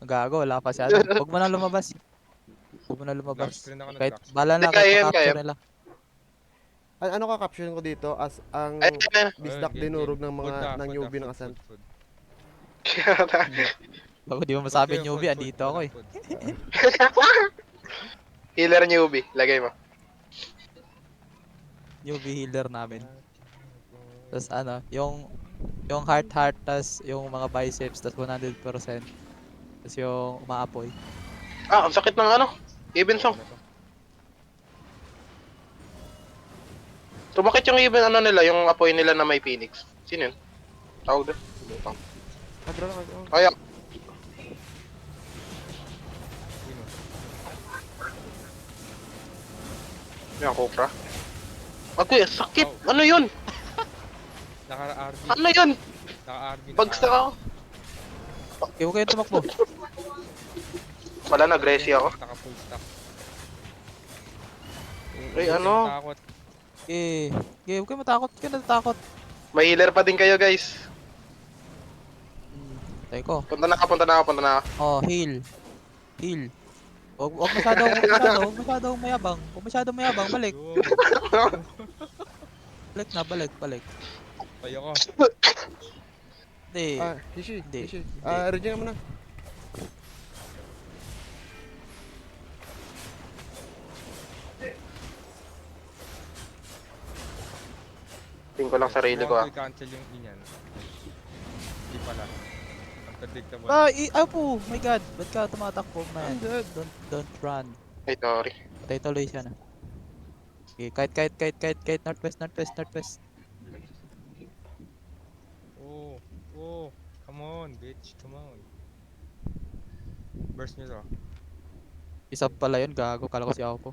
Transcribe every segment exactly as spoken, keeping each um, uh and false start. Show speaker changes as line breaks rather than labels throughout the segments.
Gago, wala pa si ano. Huwag mo na lumabas. Huwag mo na
Lock
lumabas.
screen ako,
Kahit,
nag-lock screen.
bahala
Hindi,
na, kahit
kaya yan, kaya.
pa-capture nila.
An ano ka caption ko dito as
Ayun,
ang
ayun,
bisdak
Ayun, game,
dinurog
game.
ng
Food
mga
na,
ng
food
newbie
na,
ng
food,
asan.
food, food.
ayun.
Bago di mo
Food
masabi
kayo,
newbie,
food, food.
andito ako
Walang
eh.
food.
Healer newbie, lagay mo.
Newbie healer namin. Tapos ano, yung yung heart heart, tas yung mga biceps, tas one hundred percent. Tas yung umaapoy.
Ah, ang sakit ng ano. Even song.
Ano to?
Tumakit yung even ano nila, yung apoy nila na may phoenix. Sino yun? Tawag doon. Lutang.
Kadro lang ako.
Kaya,
Sino?
yung Cobra. Agoy, sakit! Ano yun?
Naka-R B.
Ano yun?
Naka-R B.
Bagsak ako.
Okay, huwag kayong tumakbo.
Wala na, Gracie ako.
Naka-full stack.
Ay, ano?
Takot.
Okay, okay, huwag kayong matakot. Huwag kayong natatakot.
May healer pa din kayo, guys.
Hmm, tayo ko.
Punta na ka, punta na ka, punta na ka.
Oh, heal. Heal. Huwag, huwag masyadong, huwag masyadong, huwag masyadong mayabang. Huwag masyadong mayabang, balik.
Go.
Balik na, balik, balik.
Tayo ko.
Hindi.
Ah, Hishi,
Hindi.
Hishi.
Hindi.
Ah, regen mo na.
Tingin ko lang sarili ko, ah.
Huwag i-cancel yung inyan. Hindi pala. Unpredictable.
Ah, i- ah po, my god. Ba't ka tumatakbo, man?
I'm dead.
Don't, don't run.
Ay, sorry.
Patay tuloy siya na. Okay, kahit, kahit, kahit, kahit, kahit, northwest, northwest, northwest.
Oh, oh. Come on, bitch. Come on. Burst nyo to.
Isa pala yun, gago. Kala ko si ako po.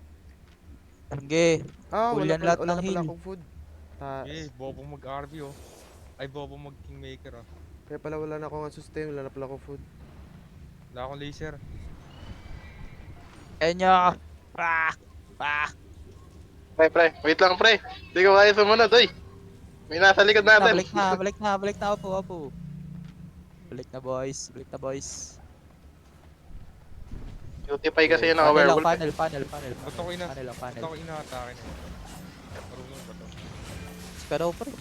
Sige,
Ah,
Full
wala,
yan
pala,
lahat
wala
ng
na pala
heal.
akong food. Ta
Eh, bobo mag-R B oh. Ay, bobo mag-kingmaker oh.
kaya pala wala na akong sustain, wala na pala akong food.
Wala akong laser.
Kenya! Ah! Ah!
Pre, pre. Wait lang, pre. Hindi ko kaya sumunod, oy. May nasa likod
Na,
natin.
balik na, balik na, balik na, apo, apo. Balik na, boys. Balik na, boys.
Beautify kasi yun
Funnel lang,
naka-werewolf.
funnel, funnel, funnel.
Ba't ako ina-
Funnel lang,
Ba't
funnel.
ako ina-atake na yun? Marunong ba to?
Pero, pre.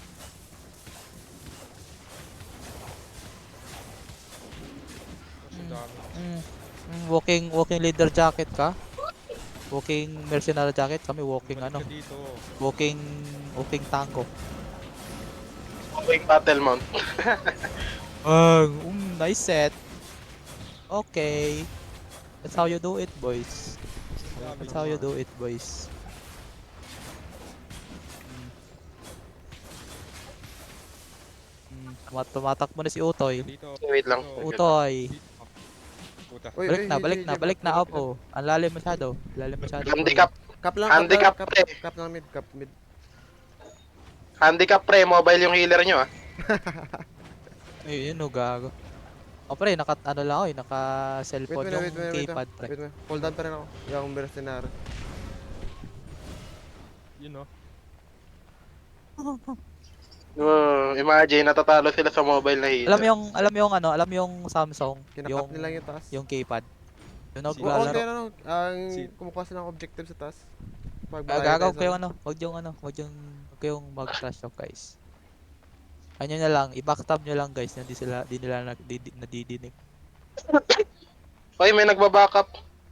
Mas dami.
Mm, mm, walking, walking leader jacket ka? Walking mercenary jacket? Kami walking
Balik
ano?
ka dito.
Walking, walking tango.
King battle mount.
Ah, um, nice set. Okay. That's how you do it, boys.
Dami
That's how you
naman.
do it, boys. Mm. Mm, tumatakbo na si Utoy.
Dito.
Wait lang.
Dito.
Utoy.
Dito. Puta.
Uy,
Balik
uy,
na,
Hishi,
balik
Hishi,
na, balik na,
balik
opo. Ang lalim masyado. Lalim masyado.
Handicap.
Cap lang,
Handicap,
cap,
pre.
cap, cap lang mid, cap mid.
Handicap, pre. Mobile yung healer nyo, ah.
Eh, yun o, gago. O pre, naka, ano lang ako eh, naka
Wait,
cellphone
wait,
yung
wait, wait, wait,
keypad pre.
wait, wait. Hold on pa rin ako. Yung mercenary.
Yun oh.
Uh, imagine, natatalo sila sa mobile na healer.
Alam mo yung, alam mo yung ano, alam mo yung Samsung,
Kinakap
yung,
nila yung taas.
yung keypad. Yung
Oo,
naglalaro.
kaya ano, ang
Si-
kumukuha sila ng objective sa taas. Pag
Ah,
malayo
gagaw
tayo
kayo
sa-
ano, wag yung ano, wag yung, wag kayong mag-trash talk guys. Ano na lang, i-backstab nyo lang guys, hindi sila, di nila nag, di, di, nadidinig.
Oy, may nagba-backup.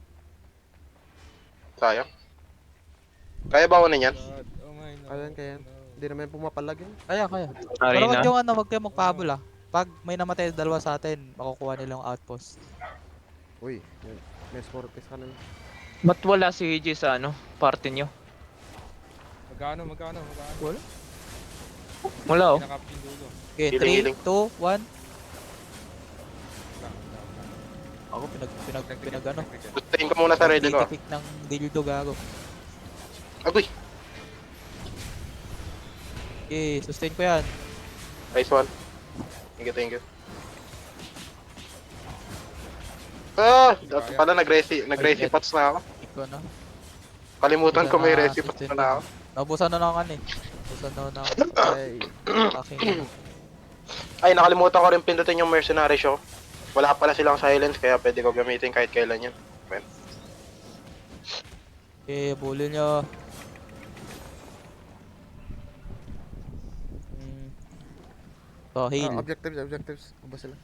Sayang. Kaya ba kunin yan?
God. Oh my no.
Ayan, kaya yan.
no.
Hindi naman pumapalag yun.
Kaya, kaya. Pero wag yung ano, wag kayong magpahabol ah. Pag may namatay na dalawa sa atin, makukuha nila yung outpost.
Uy, yun. May Scorpius ka na.
Ba't wala si G sa ano, party nyo?
Magkano, magkano, magkano?
Wala.
Wala oh.
Kinakap yung dulo.
Okay,
Healing,
three,
healing.
two, one.
Wala, wala, wala.
Ako pinag, pinag, pinag ano.
Sustain ko muna sarili ko. ah.
Titik ng dildo gago.
Agoy.
Okay, sustain ko yan.
Nice one. Thank you, thank you. Ah, dapat pala nag-resi, nag-resi pots na ako.
Ikaw na.
Kalimutan ko may
Wala na,
resi pots
sustain
na ako.
Naubusan na lang kan eh. Naubusan na na ako.
Ay,
Aking
Ay, nakalimutan ko rin pindutin yung mercenary show. Wala pala silang silence kaya pwede ko gamitin kahit kailan yun.
Okay, bully nyo. Hmm. So, heal.
Ah, objectives, objectives. Ubos sila.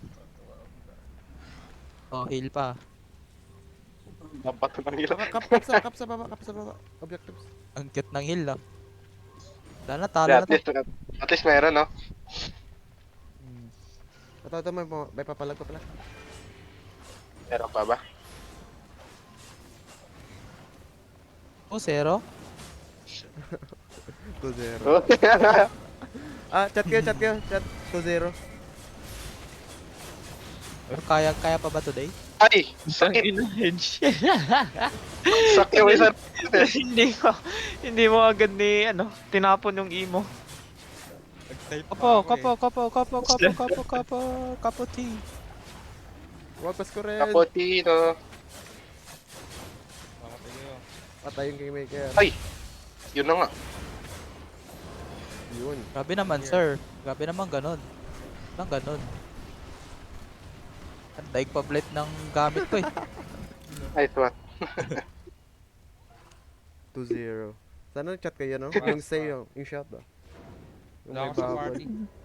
Oh, heal pa.
Dapat nang hila.
Kap, kap, kap sa, kap sa baba, kap sa baba. Objectives.
Ang cute ng heal, no? Wala na, talo
Yeah,
na
at
to.
least, at least meron, no?
Hmm.
Ito, ito, may, may papalag pa pala.
Meron pa ba?
Oh, zero?
two zero.
Oh.
Ah, chat kayo, chat kayo. Chat two zero.
Pero kaya, kaya pa ba today?
Ay!
Isang
Sakit!
ina, hedge.
Sakit yung isa.
hindi ko, hindi mo agad ni, ano, tinapon yung emo.
Nag-type pa
Kapo,
ako
kapo,
eh.
kapo, kapo, kapo, kapo, kapo, kapo, T.
Huwag pas ko rin.
Cappuccino.
Mamatay kayo.
Patay yung kingmaker.
Ay! Yun na nga.
Yun.
Grabe naman, sir. Grabe naman ganon. Nang ganon. Ang daig pa blade ng gamit ko eh.
Nice one.
two zero. Sana chat kayo, no? Yung say, yung, yung shot ba? Yung
Wala
may
ako sa
babol.
party.